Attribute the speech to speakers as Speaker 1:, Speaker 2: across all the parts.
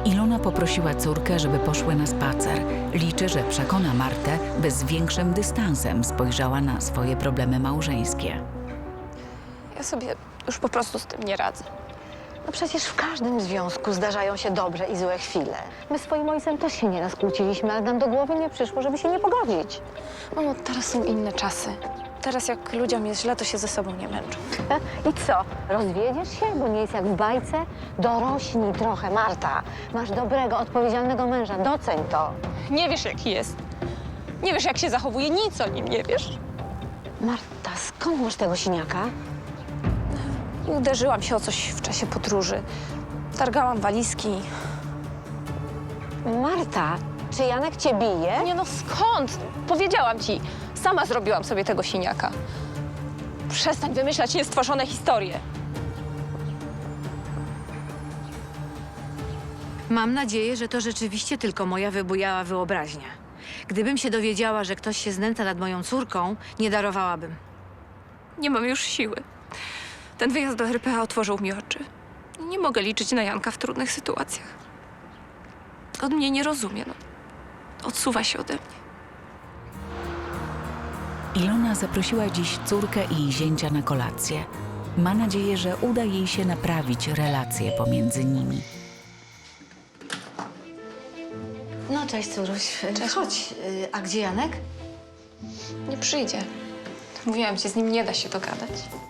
Speaker 1: Ilona poprosiła córkę, żeby poszły na spacer. Liczy, że przekona Martę, by z większym dystansem spojrzała na swoje problemy małżeńskie.
Speaker 2: Ja sobie już po prostu z tym nie radzę.
Speaker 3: No przecież w każdym związku zdarzają się dobre i złe chwile. My z twoim ojcem też się nieraz kłóciliśmy, ale nam do głowy nie przyszło, żeby się nie pogodzić.
Speaker 2: Mamo, teraz są inne czasy. Teraz jak ludziom jest źle, to się ze sobą nie męczą.
Speaker 3: I co? Rozwiedziesz się, bo nie jest jak w bajce? Dorośnij trochę, Marta. Masz dobrego, odpowiedzialnego męża. Doceń to.
Speaker 2: Nie wiesz, jaki jest. Nie wiesz, jak się zachowuje. Nic o nim nie wiesz.
Speaker 3: Marta, skąd masz tego siniaka?
Speaker 2: I uderzyłam się o coś w czasie podróży. Targałam walizki.
Speaker 3: Marta, czy Janek cię bije?
Speaker 2: Nie no, skąd? Powiedziałam ci. Sama zrobiłam sobie tego siniaka. Przestań wymyślać niestworzone historie.
Speaker 4: Mam nadzieję, że to rzeczywiście tylko moja wybujała wyobraźnia. Gdybym się dowiedziała, że ktoś się znęca nad moją córką, nie darowałabym.
Speaker 2: Nie mam już siły. Ten wyjazd do RPA otworzył mi oczy. Nie mogę liczyć na Janka w trudnych sytuacjach. On mnie nie rozumie, no. Odsuwa się ode mnie.
Speaker 1: Ilona zaprosiła dziś córkę i zięcia na kolację. Ma nadzieję, że uda jej się naprawić relacje pomiędzy nimi.
Speaker 4: No, cześć, córuś.
Speaker 2: Cześć.
Speaker 4: Chodź. A gdzie Janek?
Speaker 2: Nie przyjdzie. Mówiłam ci, z nim nie da się dogadać.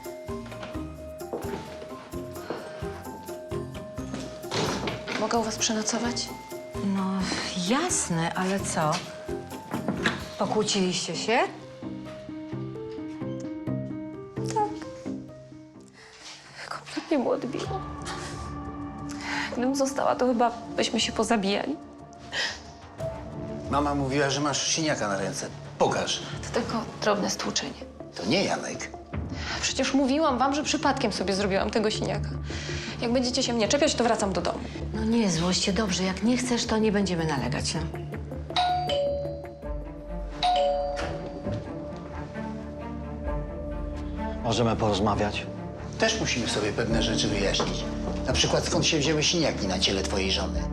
Speaker 2: Mogę u was przenocować?
Speaker 4: No, jasne, ale co? Pokłóciliście się?
Speaker 2: Kompletnie mu odbiło. Gdybym została, to chyba byśmy się pozabijali.
Speaker 5: Mama mówiła, że masz siniaka na ręce. Pokaż.
Speaker 2: To tylko drobne stłuczenie.
Speaker 5: To nie Janek.
Speaker 2: Przecież mówiłam wam, że przypadkiem sobie zrobiłam tego siniaka. Jak będziecie się mnie czepiać, to wracam do domu.
Speaker 4: No nie, złość się, dobrze. Jak nie chcesz, to nie będziemy nalegać, no.
Speaker 6: Możemy porozmawiać?
Speaker 5: Też musimy sobie pewne rzeczy wyjaśnić. Na przykład skąd się wzięły siniaki na ciele twojej żony.